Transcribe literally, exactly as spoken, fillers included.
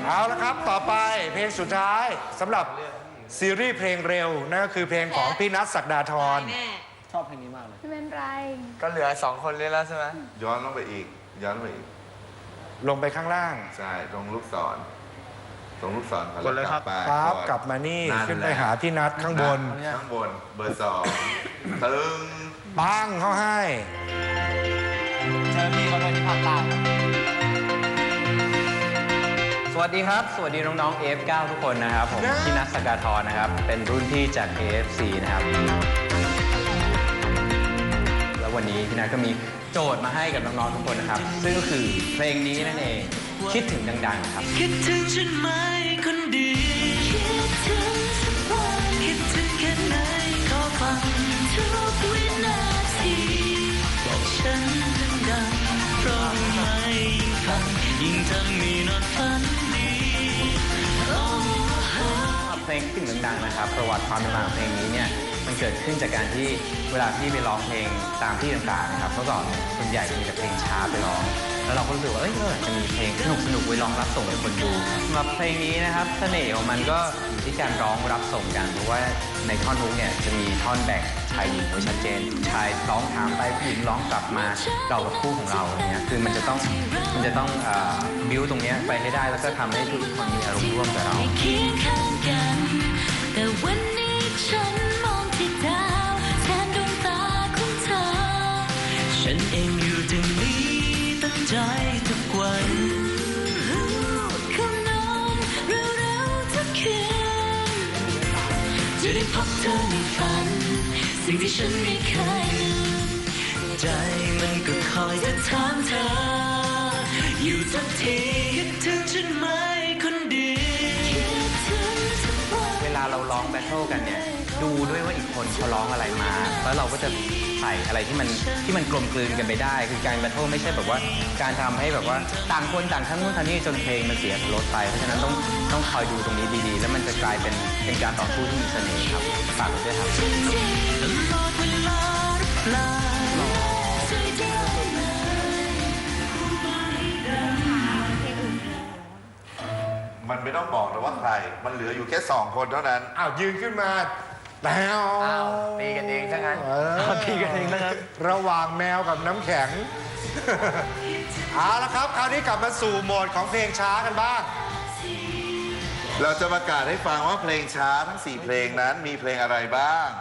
เอาละครับต่อไปเพลงสุดท้ายสำหรับซีรีส์เพลงเร็วนั่นก็คือเพลงของพี่นัทศักดาธรชอบเพลงนี้มากเลยไม่เป็นไรก็เหลือสองคนเลยแล้วใช่ไหมย้อนลงไปอีก ย้อนลงไปอีกลงไปข้างล่างใช่ตรงลูกศรตรงลูกศรก่อนกดเลยครับไปปั๊บอนกลับมานี่นั่นขึ้นไปแหละหาพี่นัทข้างบนข้างบนเบอร์สองตึงปังเขาให้เจอพี่เขาด้วยที่ภาคใต้สวัสดีครับ สวัสดีน้องๆ เอฟ เก้า ทุกคนนะครับผมพี่นัทศักดาธรนะครับเป็นรุ่นพี่จาก เอ เอฟ ซี นะครับแล้ววันนี้พี่นัทก็มีโจทย์มาให้กับน้องๆทุกคนนะครับซึ่งก็คือเพลงนี้นั่นเองคิดถึงดังๆครับคิดถึงฉันไหมคนดีคิดถึงสักวันคิดถึงแค่ไหนขอฟังทุกวินาทีบอกฉันดังๆเพราะไม่ยิ่งฟังยิ่งทำให้นอนฝันดีโอ้โหเพลงคิดถึงดังๆนะครับประวัติความเป็นมาของเพลงนี้เนี่ยมันเกิดขึ้นจากการที่เวลาพี่ไปร้องเพลงตามที่ต่างๆนะครับเมื่อก่อนส่วนใหญ่จะมีแต่เพลงช้าไปร้องแล้วเราก็รู้สึกว่าเอ้ยเราอยากจะมีเพลงสนุกๆไว้ร้องรับส่งให้คนดูสำหรับเพลงนี้นะครับเสน่ห์ของมันก็อยู่ที่การร้องรับส่งกันเพราะว่าในท่อนฮุกเนี่ยจะมีท่อนแบ่งชายหญิงไว้ชัดเจนชายร้องถามไปผู้หญิงร้องกลับมาเรากับคู่ของเราอย่างเงี้ยคือมันจะต้องมันจะต้องบิวตรงเนี้ยไปให้ได้แล้วก็ทำให้ทุกคนมีอารมณ์ร่วมกับเราเคียงข้างกันแต่วันนี้ฉันมองที่ดาวแทนดวงตาของเธอฉันเองอยู่ตรงนี้ตั้งใจทุกวันคำนอนเร็วๆทุกคืนจะได้พบเธอในฝันสิ่งที่ฉันไม่เคยลืมใจมันก็คอยจะถามเธออยู่ทุกทีคิดถึงฉันไหมคนดีคิดถึงทุกวันเวลาเราร้องแบทเทิลกันเนี่ยดูด้วยว่าอีกคนเขาร้องอะไรมา แล้วเราก็จะใส่อะไรที่มันที่มันกลมกลืนกันไปได้ คือการแบทเทิลไม่ใช่แบบว่าการทำให้แบบว่าต่างคนต่างทั้งนู้นทั้งนี้จนเพลงมันเสียรสไปเพราะฉะนั้นต้องต้องคอยดูตรงนี้ดีๆ แล้วมันจะกลายเป็นเป็นการต่อสู้ที่มีเสน่ห์ครับฝากไว้ด้วยครับตลอดเวลาหรือเปล่าใจเดียวไหมมันไม่ต้องบอกนะว่าใคร มันเหลืออยู่แค่สองคนเท่านั้นอ้าวยืนขึ้นมาแล้วอ้าวตีกันเองซะงั้นเออตีกันเองนะครับระหว่างแมวกับน้ำแข็ง เอาละครับคราวนี้กลับมาสู่โหมดของเพลงช้ากันบ้างเราจะประกาศให้ฟังว่าเพลงช้าทั้งสี่เพลงนั้นมีเพลงอะไรบ้าง